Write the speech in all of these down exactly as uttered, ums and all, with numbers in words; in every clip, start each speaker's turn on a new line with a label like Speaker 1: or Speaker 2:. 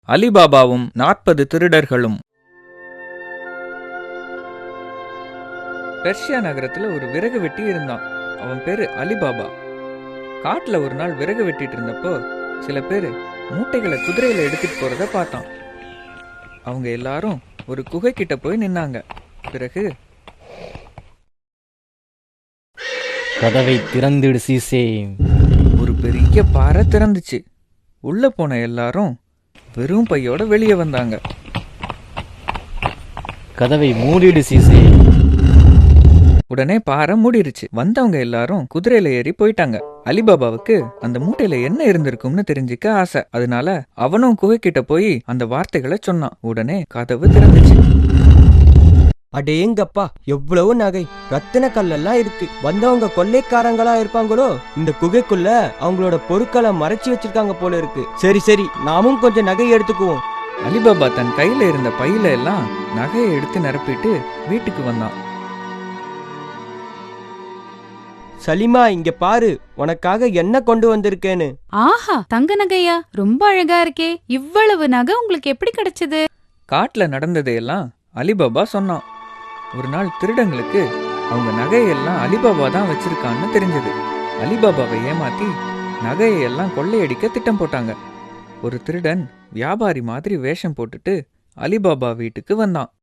Speaker 1: அலிபாபாவும் நாற்பது திருடர்களும். பெர்ஷியா நகரத்துல ஒரு விறகு வெட்டி இருந்தான். அவன் பேரு அலிபாபா. காட்டுல ஒரு நாள் விறகு வெட்டிட்டு இருந்தப்போ சில பேரு மூட்டைகளை குதிரையில எடுத்துட்டு போறத பார்த்தான். அவங்க எல்லாரும் ஒரு குகை கிட்ட போய் நின்னாங்க. பிறகு
Speaker 2: கதவை திறந்துடு சீசே.
Speaker 1: ஒரு பெரிய பாறை திறந்துச்சு. உள்ள போன எல்லாரும் வெறும் பையோட வெளியே வந்தாங்க.
Speaker 2: கதவை மூடிடு சீசே.
Speaker 1: உடனே பாறை மூடிருச்சு. வந்தவங்க எல்லாரும் குதிரையில ஏறி போயிட்டாங்க. அலிபாபாவுக்கு அந்த மூட்டையில என்ன இருந்திருக்கும்னு தெரிஞ்சுக்க ஆசை. அதனால அவனும் குகைக்கிட்ட போய் அந்த வார்த்தைகளை சொன்னான். உடனே கதவு திறந்துச்சு.
Speaker 3: அடேங்கப்பா, எவ்வளவு நகை, ரத்தின கல்லெல்லாம் இருக்கு. வந்தவங்க கொள்ளைக்காரங்களா இருப்பாங்களோ? இந்த குகைக்குள்ள அவங்களோட பொருட்களை மறைச்சு வச்சிருக்காங்க போல இருக்கு. சரி சரி, நாமும் கொஞ்சம் நகை எடுத்துக்குவோம்.
Speaker 1: அலிபாபா தன் கையில இருந்த பையில எல்லாம் நகையை எடுத்து நிரப்பிட்டு வீட்டுக்கு வந்தான்.
Speaker 3: சலிமா, இங்க பாரு, உனக்காக என்ன கொண்டு வந்திருக்கேன்னு.
Speaker 4: ஆஹா, தங்க நகையா? ரொம்ப அழகா இருக்கே. இவ்வளவு நகை உங்களுக்கு எப்படி கிடைச்சது?
Speaker 1: காட்டுல நடந்ததையெல்லாம் அலிபாபா சொன்னான். ஒரு நாள் திருடங்களுக்கு அவங்க நகையெல்லாம் அலிபாபா தான் வச்சிருக்கான்னு தெரிஞ்சது. அலிபாபாவை ஏமாத்தி நகையெல்லாம் கொள்ளையடிக்க திட்டம் போட்டாங்க. ஒரு திருடன் வியாபாரி மாதிரி வேஷம் போட்டுட்டு அலிபாபா வீட்டுக்கு வந்தான்.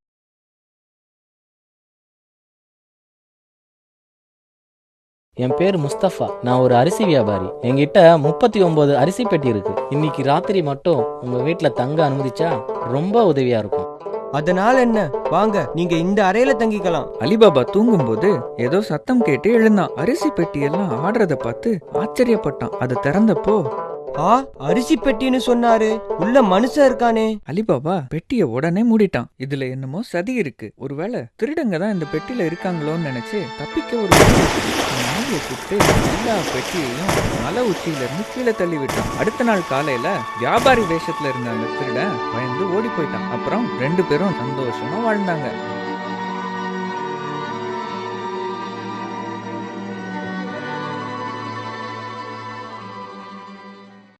Speaker 2: என் பேர் முஸ்தபா. நான் ஒரு அரிசி வியாபாரி. என்கிட்ட முப்பத்தி ஒன்பது அரிசி பெட்டி இருக்கு. இன்னைக்கு ராத்திரி மட்டும் உங்க வீட்டுல தங்க அனுமதிச்சா ரொம்ப உதவியா இருக்கும்.
Speaker 3: அதனால என்ன, வாங்க, நீங்க இந்த அறையில தங்கிக்கலாம்.
Speaker 1: அலிபாபா தூங்கும்போது ஏதோ சத்தம் கேட்டு எழுந்தான். அரிசி பெட்டியெல்லாம் ஆடுறத பார்த்து ஆச்சரியப்பட்டான். அதை திறந்தப்போ,
Speaker 3: ஆ, அரிசி பெட்டின்னு சொன்னாரு, உள்ள மனுஷன் இருக்கானே.
Speaker 1: அலிபாபா பெட்டிய உடனே மூடிட்டான். இதுல என்னமோ சதி இருக்கு. ஒருவேளை திருடங்க தான் இந்த பெட்டியில இருக்காங்களோன்னு நினைச்சு தப்பிக்க ஒரு நாயை கூப்பிட்டு எல்லா பெட்டியையும் மலை உச்சியில இருந்து கீழே தள்ளி விட்டான். அடுத்த நாள் காலையில வியாபாரி வேஷத்துல இருந்த அந்த திருடன் பயந்து ஓடி போயிட்டான். அப்புறம் ரெண்டு பேரும் சந்தோஷமா வாழ்ந்தாங்க.